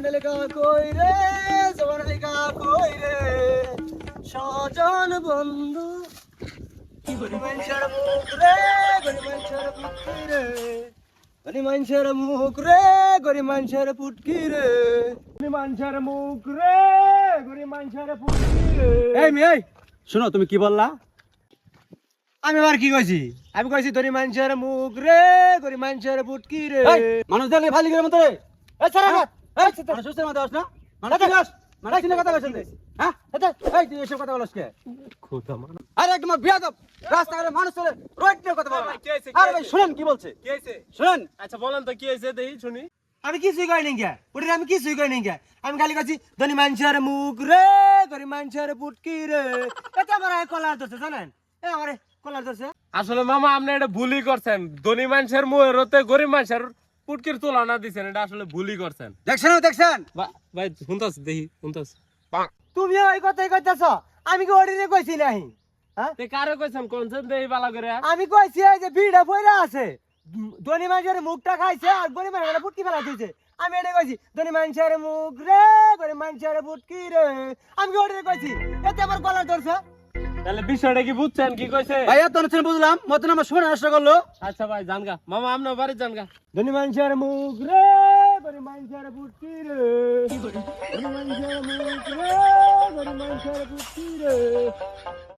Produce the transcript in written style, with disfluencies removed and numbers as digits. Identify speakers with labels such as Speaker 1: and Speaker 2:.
Speaker 1: লেখা কই রে জবানে লেখা কই রে সজন বন্ধু গরি মানুষের মুখ রে গরি মানুষের পুটকি রে গরি মানুষের মুখ রে গরি মানুষের পুটকি রে গরি মানুষের মুখ রে গরি মানুষের পুটকি রে।
Speaker 2: এই মেয়ে শোনো, তুমি কি বললা?
Speaker 1: আমি আবার কি কইছি? আমি কইছি ধরি মানুষের মুখ রে গরি মানুষের পুটকি রে।
Speaker 2: মানুষ দেখলে ফালি করে মতো রে।
Speaker 1: এই ছাড়া না
Speaker 2: মানুষ সুস্থের মতো আস না, মানুষ চিনাস, মানুষ চিনে কথা বলছেন হ্যাঁ? এই তুই এসব কথা বলছ কে?
Speaker 1: খোদা মান
Speaker 2: আরে একদম বিয়াদব, রাস্তাঘাটে মানুষ চলে রোড নিয়ে কথা বলে। আরে ভাই শুনেন কি বলছে,
Speaker 3: কি হয়েছে?
Speaker 2: শুনেন।
Speaker 3: আচ্ছা বলেন তো কি হয়েছে দেখি শুনি।
Speaker 1: আমি কিছুই কই নাই গে ওটা আমি কিছুই কই নাই গে আমি খালি কইছি ধনি মানুষের মুখ রে গরি মানুষের পুটকি রে। এটা আমার কলার ধরছে জানেন, এ আমার কলার ধরছে।
Speaker 3: আসলে মামা আপনি এটা ভুলই করছেন, ধনী মানুষের মুহের হতে গরিব মানুষের পুটকির তুলনা দিচ্ছেন, এটা আসলে ভুলই করছেন।
Speaker 2: দেখছেন
Speaker 3: ভাই শুনতাছ দেখি শুনতাছ
Speaker 1: তুমি ওই কথাই কইতাছ, আমি কি ওড়িনে কইছি নাই? হ্যাঁ
Speaker 3: তে কারে কইছেন কোনছেন দেই বালা করে।
Speaker 1: আমি কইছি এই যে ভিড়া পয়রা আছে ধনি মানুষের মুখটা খাইছে আর গরিব মানুষের পুটকি ফেলা দিয়েছে। আমি এটা কইছি ধনি মানুষের মুখ রে গরিব মানুষের পুটকি রে। আমি কি ওড়িনে কইছি? এতে আমার কলার ধরছে।
Speaker 3: তাহলে বিষয়টা কি বুঝছেন কি কইছে?
Speaker 2: ভাই এত অনুষ্ঠান বুঝলাম, মতন আমার শুনে নষ্ট করলো।
Speaker 3: আচ্ছা ভাই জানগা মামা আপনার বাড়ি জানগা।
Speaker 1: ধনি মানুষের মুখ রে গরিব মানুষের পুটকি রে ধনি মানুষের মুখ রে গরিব মানুষের পুটকি রে।